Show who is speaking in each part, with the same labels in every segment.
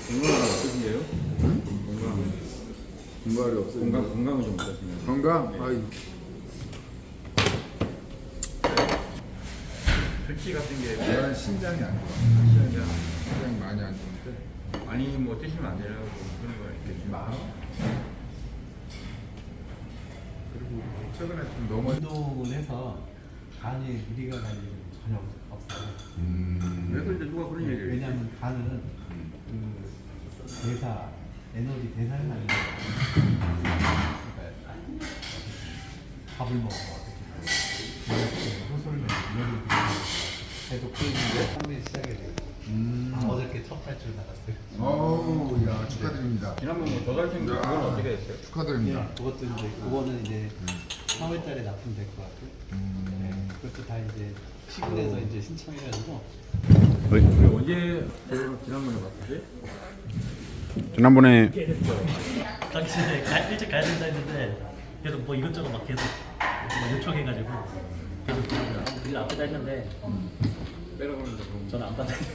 Speaker 1: 건강은 어떠신데요? 건강.
Speaker 2: 건강이 없어요.
Speaker 1: 건강은 좀 어떠신가요?
Speaker 2: 건강?
Speaker 1: 네.
Speaker 2: 아이,
Speaker 1: 특히 같은 게
Speaker 2: 내가 신장이 안 좋아. 신장이 많이 안 좋은데.
Speaker 1: 많이 뭐 드시면 안 되라고 그런 거 있겠죠.
Speaker 2: 그리고 최근에 좀 너무
Speaker 3: 운동을 해서 간에 무리가 갈 일은 전혀 없어요.
Speaker 1: 왜 그런데 누가 그런 얘기를 해요?
Speaker 3: 왜냐하면 간은 그 대사, 에너지 대사를 하는 거예요. 그러니까 밥을 먹어. 호소를 내는 해도 끓이는데 처음에 시작이 돼요. 어저께 첫 발줄 나갔어요.
Speaker 2: 어우, 야, 축하드립니다.
Speaker 1: 지난번 뭐 저달생 그건 어떻게 됐어요?
Speaker 2: 축하드립니다.
Speaker 3: 그것도 이제 그거는 이제 3월달에 납품될 것 같고요. 네, 그것도 다 이제 시군에서 이제 신청해가지고
Speaker 1: 그 언제 지난번에 봤지?
Speaker 4: 지난번에
Speaker 5: 당시 일찍 가야 된다 했는데 계속 뭐 이것저것 막 계속 뭐 요청해가지고 계속 일 앞에다 했는데
Speaker 1: 빼라고 하는데 그럼
Speaker 5: 저는 안 받아요.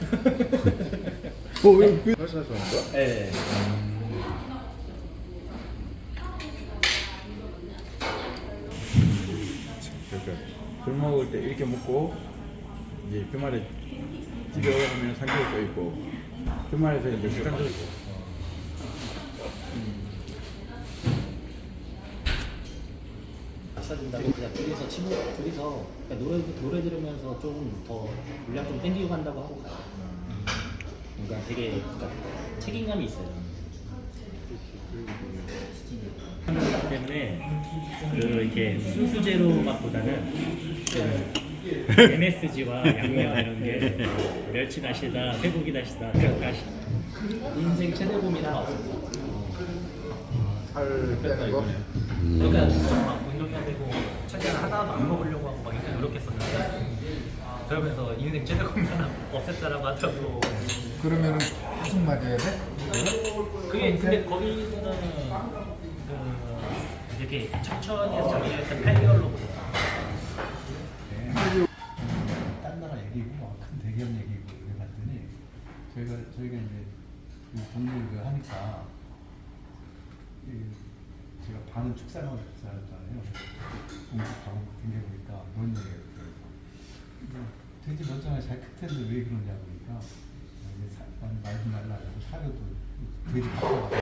Speaker 2: 왜 회사에서 온 거야?
Speaker 5: 네.
Speaker 1: 그러니까 술 먹을 때 이렇게 먹고 이제 주말에 집에 오면 삼겹살 또 있고 주말에서 이제 식당도 있고
Speaker 5: 마셔준다고 그냥 둘이서 둘이서 그냥 노래 들으면서 좀 더 물량 좀 땡기고 간다고 하고 가요. 그러니까 되게 그러니까 책임감이 있어요. 하는 때문에 그 이렇게 순수제로 맛보다는 그 MSG와 양념 이런 게 멸치 다시다, 쇠고기 다시다, 닭다시 인생 최대 고민은 없습니다.
Speaker 2: 살 빼는 거?
Speaker 5: 그러니까 진짜 막 운동해야 되고 최대한 하나도 안 먹으려고 하고 막 이렇게 노력했었는데 그러면서 인생 최대 고민 하나 없앴다라고 하더라고.
Speaker 2: 그러면은 계속 맞아야 돼?
Speaker 5: 그게 근데 거기는 그 이렇게 천천히 해서 자기 일단 8개월로
Speaker 3: 딴 나라 얘기고 큰 대기업 얘기고 그래 봤더니 저희가 이제 그 동물 그 하니까 제가 반은 축산하고 살았잖아요. 공식 가고 댕겨보니까 그런 얘기가 있더라고요. 돼지 멀쩡하게 잘 클 텐데 왜 그러냐고 그러니까 말도 말라 사료도 돼지 바꿔가지고